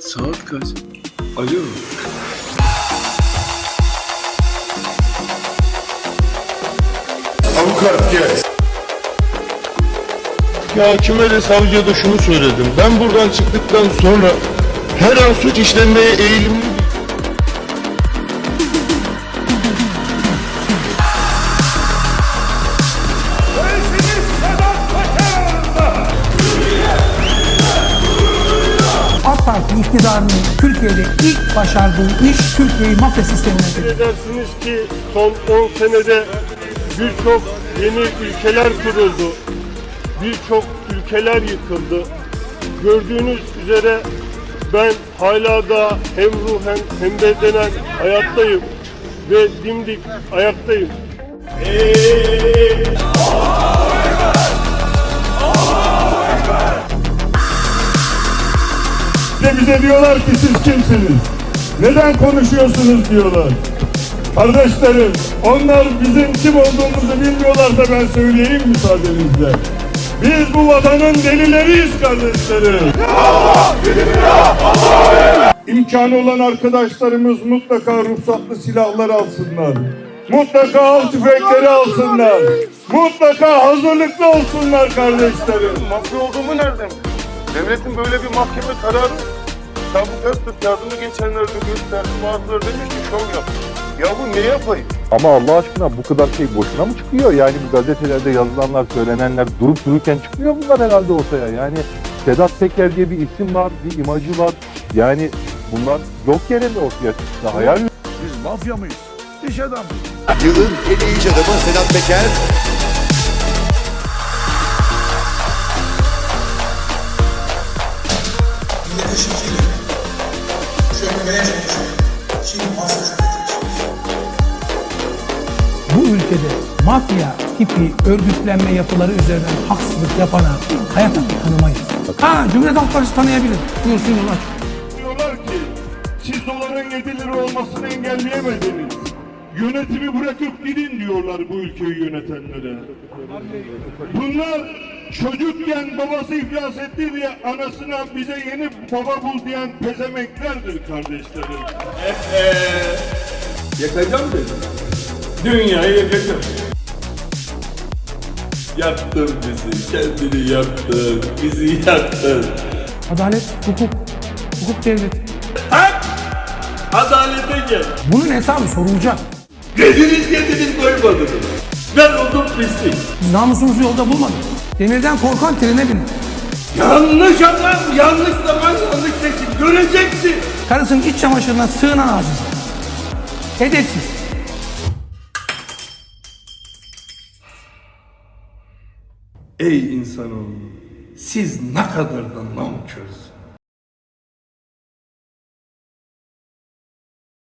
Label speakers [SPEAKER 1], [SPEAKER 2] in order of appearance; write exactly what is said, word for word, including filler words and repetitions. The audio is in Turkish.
[SPEAKER 1] Saat kaç? Alo.
[SPEAKER 2] Avukat gel.
[SPEAKER 3] Ya hakime de savcıya da şunu söyledim. Ben buradan çıktıktan sonra her an suç işlemeye eğilimli.
[SPEAKER 4] AK Parti iktidarının Türkiye'de ilk başardığı iş Türkiye'yi mafya sistemine getirdi.
[SPEAKER 3] Dersiniz ki son on senede birçok yeni ülkeler kuruldu. Birçok ülkeler yıkıldı. Gördüğünüz üzere ben hala da hem ruhen hem bedenen hayattayım ve dimdik ayaktayım.
[SPEAKER 5] İşte bize diyorlar ki siz kimsiniz? Neden konuşuyorsunuz diyorlar. Kardeşlerim, onlar bizim kim olduğumuzu bilmiyorlarsa ben söyleyeyim müsaadenizle. Biz bu vatanın delileriyiz kardeşlerim. İmkanı olan arkadaşlarımız mutlaka ruhsatlı silahlar alsınlar. Mutlaka av tüfekleri alsınlar. Mutlaka hazırlıklı olsunlar kardeşlerim.
[SPEAKER 3] Mafya olduğumu nereden? Devletin böyle bir mahkeme kararı Sabık Öztürk yardımı geçenlerde gösterdi. Bazıları demiş ki şov yap. Ya bu ne yapayım?
[SPEAKER 6] Ama Allah aşkına bu kadar şey boşuna mı çıkıyor? Yani bu gazetelerde yazılanlar, söylenenler durup dururken çıkmıyor bunlar herhalde ortaya. Yani Sedat Peker diye bir isim var, bir imajı var. Yani bunlar yok yere mi ortaya çıktı? Hayal mi?
[SPEAKER 2] Biz mafya mıyız? İş adamı.
[SPEAKER 7] Yılın en iyi iş adamı Sedat Peker.
[SPEAKER 8] Milletvekili çökmeye çalışıyor. Şimdi mafya çökmeye
[SPEAKER 4] Bu ülkede mafya tipi örgütlenme yapıları üzerinden haksızlık yapana hayatta tanımayız. Ha, Cumhuriyet Halk Partisi tanıyabilir. Buyursun yol aç.
[SPEAKER 5] Diyorlar ki siz doların yedi lira olmasını engelleyemediniz. Yönetimi bırakıp gidin diyorlar bu ülkeyi yönetenlere. Bunlar çocukken babası iflas etti diye anasına bize yeni baba bul diyen pezemeklerdir kardeşlerim.
[SPEAKER 1] Yakacağım dedim. Dünyayı yakacağım. Yaktın bizi, kendini yaktın, bizi yaktın.
[SPEAKER 4] Adalet, hukuk, hukuk devleti.
[SPEAKER 1] Tak! Adalete gel.
[SPEAKER 4] Bunun hesabı sorulacak.
[SPEAKER 1] Gözünüz yediniz koymadınız. Ben oldum pislik.
[SPEAKER 4] Biz namusumuzu yolda bulmadık. Demirden korkan trene binir.
[SPEAKER 1] Yanlış adam, yanlış zaman, yanlış seçim. Göreceksin.
[SPEAKER 4] Karısının iç çamaşırına sığınan aciz. Edepsiz.
[SPEAKER 1] Ey insanoğlu, siz ne kadar da nankörsünüz.